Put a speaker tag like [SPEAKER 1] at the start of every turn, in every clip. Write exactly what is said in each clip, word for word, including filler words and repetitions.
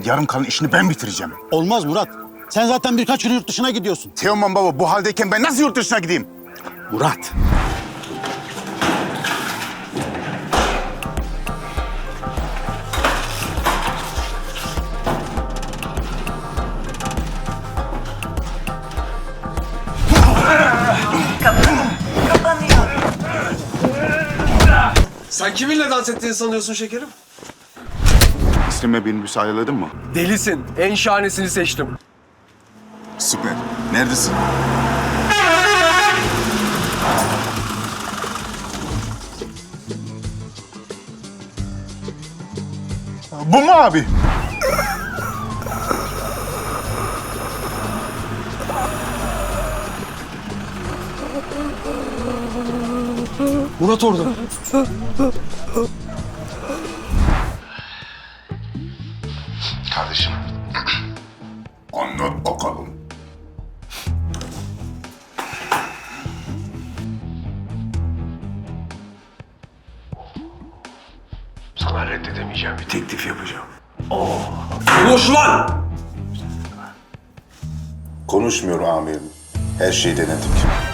[SPEAKER 1] yarım kalan işini ben bitireceğim.
[SPEAKER 2] Olmaz Murat. Sen zaten birkaç yıl yurt dışına gidiyorsun.
[SPEAKER 1] Teoman baba bu haldeyken ben nasıl yurt dışına gideyim?
[SPEAKER 2] Murat.
[SPEAKER 3] Sen kiminle dans ettiğini sanıyorsun şekerim?
[SPEAKER 1] İstem'e beni müsaadeledin mi?
[SPEAKER 3] Delisin. En şahanesini seçtim.
[SPEAKER 1] Süper. Neredesin? Bu mu abi?
[SPEAKER 3] Murat orada.
[SPEAKER 1] Kardeşim. Anlat bakalım.
[SPEAKER 4] Sana reddedemeyeceğim bir teklif yapacağım.
[SPEAKER 3] Konuş lan!
[SPEAKER 4] Konuşmuyor amirim. Her şeyi denedik.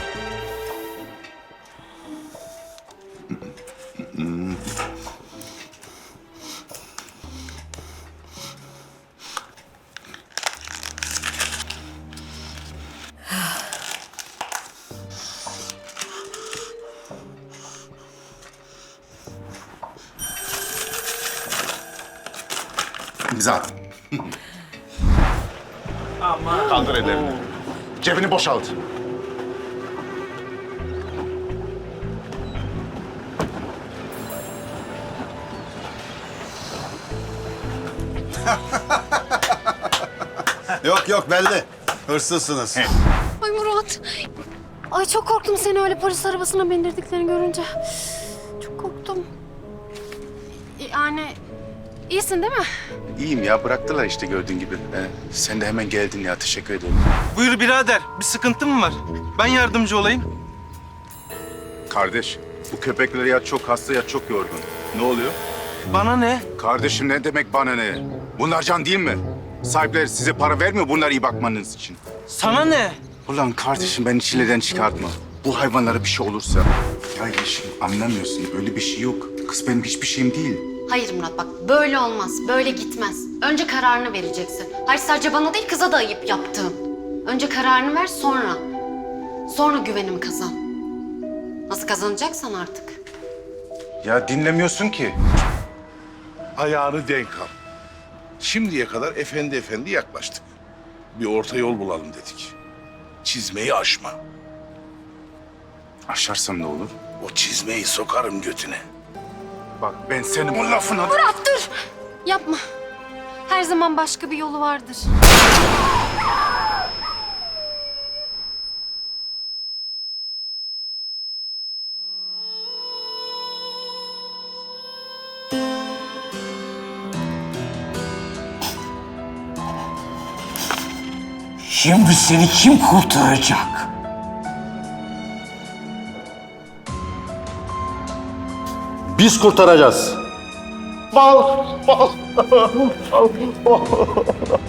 [SPEAKER 1] İmza at. Ama... Kaldır ellerini. Cebini boşalt.
[SPEAKER 5] Yok yok belli. Hırsızsınız.
[SPEAKER 6] Ay Murat. Ay çok korktum seni öyle polis arabasına bindirdiklerini görünce. Çok korktum. Yani iyisin değil mi?
[SPEAKER 1] İyiyim ya, bıraktılar işte gördüğün gibi. Ee, sen de hemen geldin ya, teşekkür ederim.
[SPEAKER 7] Buyur birader, bir sıkıntın mı var? Ben yardımcı olayım.
[SPEAKER 1] Kardeş, bu köpekler ya çok hasta ya çok yorgun. Ne oluyor?
[SPEAKER 7] Bana ne?
[SPEAKER 1] Kardeşim ne demek bana ne? Bunlar can değil mi? Sahipleri size para vermiyor bunlara iyi bakmanız için.
[SPEAKER 7] Sana ne?
[SPEAKER 1] Ulan kardeşim beni çileden çıkartma. Bu hayvanlara bir şey olursa. Ya yeşim anlamıyorsun, öyle bir şey yok. Kız benim hiçbir şeyim değil.
[SPEAKER 6] Hayır Murat bak böyle olmaz. Böyle gitmez. Önce kararını vereceksin. Hayır sadece bana değil kıza da ayıp yaptığın. Önce kararını ver sonra. Sonra güvenimi kazan. Nasıl kazanacaksan artık.
[SPEAKER 1] Ya dinlemiyorsun ki.
[SPEAKER 8] Ayağını denk al. Şimdiye kadar efendi efendi yaklaştık. Bir orta yol bulalım dedik. Çizmeyi aşma.
[SPEAKER 1] Aşarsam ne olur?
[SPEAKER 8] O çizmeyi sokarım götüne.
[SPEAKER 1] Bak ben senin o lafına...
[SPEAKER 6] Murat dur. Yapma. Her zaman başka bir yolu vardır.
[SPEAKER 9] Şimdi seni kim kurtaracak?
[SPEAKER 2] Biz kurtaracağız.
[SPEAKER 5] Bal, bal, bal, bal.